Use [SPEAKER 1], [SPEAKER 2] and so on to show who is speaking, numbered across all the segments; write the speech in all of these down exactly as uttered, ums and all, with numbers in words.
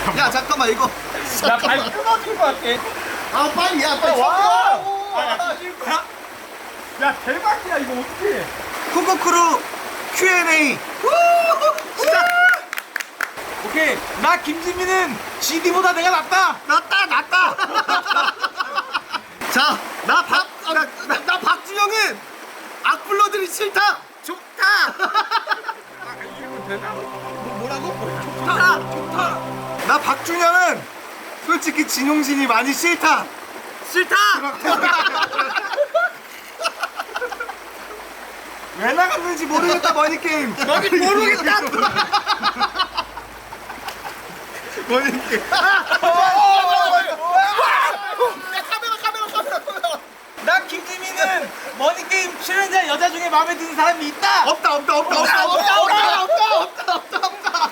[SPEAKER 1] 야 잠깐만 이거.
[SPEAKER 2] 나발 끊어질 것 같아.
[SPEAKER 1] 아 빨리 야 빨리
[SPEAKER 2] 와.
[SPEAKER 1] 와.
[SPEAKER 2] 아, 야, 찢을 거야? 야, 대박이야, 이거 어떡해.
[SPEAKER 1] 쿠쿠크루 큐 앤 에이 시작.
[SPEAKER 2] 오케이. 나 김지민은 지디보다 내가 낫다.
[SPEAKER 1] 낫다 낫다. 자나박나 나 박준영은 악플러들이 싫다. 좋다.
[SPEAKER 2] 이러면 되나?
[SPEAKER 1] 뭐라고? 좋다 좋다. 나 박준영은 솔직히 진용진이 많이 싫다. 싫다. 왜 나갔는지 모르겠다 머니게임.
[SPEAKER 2] 너는 모르겠다.
[SPEAKER 1] 머니게임.
[SPEAKER 2] 나 김지민은 머니게임 출연자 여자 중에 마음에 드는 사람이 있다.
[SPEAKER 1] 없다 없다 없다 없다 없다 없다 없다 없다 없다.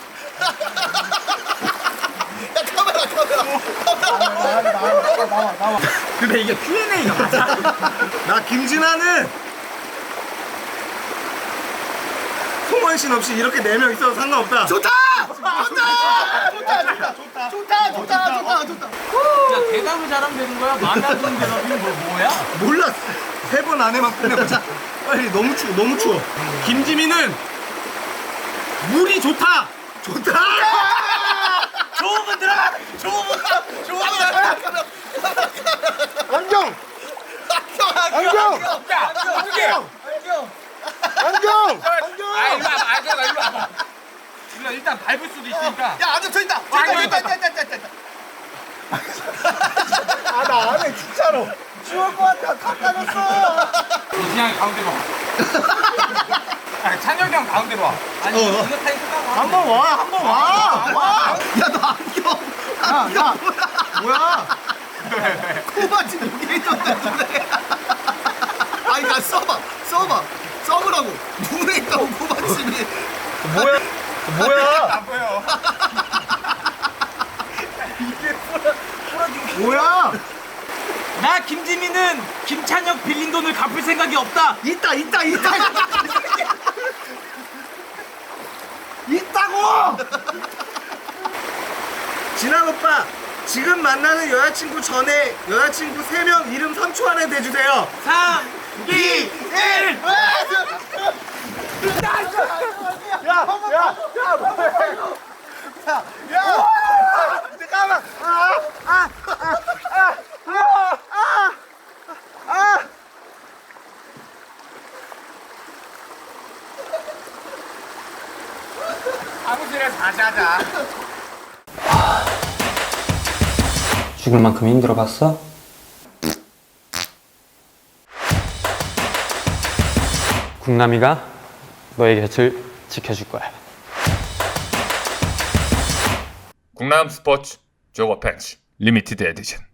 [SPEAKER 1] 야 카메라 카메라.
[SPEAKER 2] 근데 이게 큐 앤 에이가 맞아?
[SPEAKER 1] 나 김진아는 송원 씨 없이 이렇게 네 명 있어도 상관없다. 좋다. 좋다. 좋다. 좋다. 좋다. 좋다. 좋다. 좋다.
[SPEAKER 2] 야, 대답을 잘하면 되는 거야? 마음에 안 드는 대답이 뭐, 뭐야?
[SPEAKER 1] 몰라. 세 번 안에만 끝내보자. 빨리. 너무 추워. 너무 추워. 김지민은 물이 좋다. 좋다.
[SPEAKER 2] 좋은 분 들어가! 좋은 분! 좋은 분!
[SPEAKER 1] 안경. 안경.
[SPEAKER 2] 야! 안경! 안경!
[SPEAKER 1] 안경.
[SPEAKER 2] 아, 일로 와봐. 안경, 일로 와봐. 일로 일단 밟을 수도 있으니까.
[SPEAKER 1] 야 안에 저 있다.
[SPEAKER 2] 안경 있다.
[SPEAKER 1] 아 나 안에 진짜로. 추울 것 같아. 다 까졌어.
[SPEAKER 2] 이진양이 가운데로 와. 아, 찬혁이 형 가운데로 와. 아니,
[SPEAKER 1] 어.
[SPEAKER 2] 이거 타임 끝나고.
[SPEAKER 1] 한번 와. 한번 와. 와. 야 너 안경. 안경 뭐야?
[SPEAKER 2] 왜, 왜?
[SPEAKER 1] 코바지 여기 있던데. 아니 나 써봐. 써봐. 써보라고. 눈에 있다고 코바집이. 뭐야? 뭐야?
[SPEAKER 2] 안 보여.
[SPEAKER 1] 이게 풀어 풀어주기. 뭐야?
[SPEAKER 2] 나 김지민은 김찬혁 빌린 돈을 갚을 생각이 없다.
[SPEAKER 1] 있다 있다 있다. 있다고. 진한 오빠 지금 만나는 여자친구 전에 여자친구 세 명 이름 삼 초 안에 대주세요.
[SPEAKER 2] 삼, 이, 일.
[SPEAKER 1] 야, 야, 야, 야, 야, 잠깐만. 아, 아, 아, 아, 아, 아.
[SPEAKER 2] 사무실에서 다시 하자.
[SPEAKER 3] 죽을 만큼 힘들어봤어? 국남이가 너의 곁을 지켜줄 거야.
[SPEAKER 4] 국남 스포츠 조거 팬츠 리미티드 에디션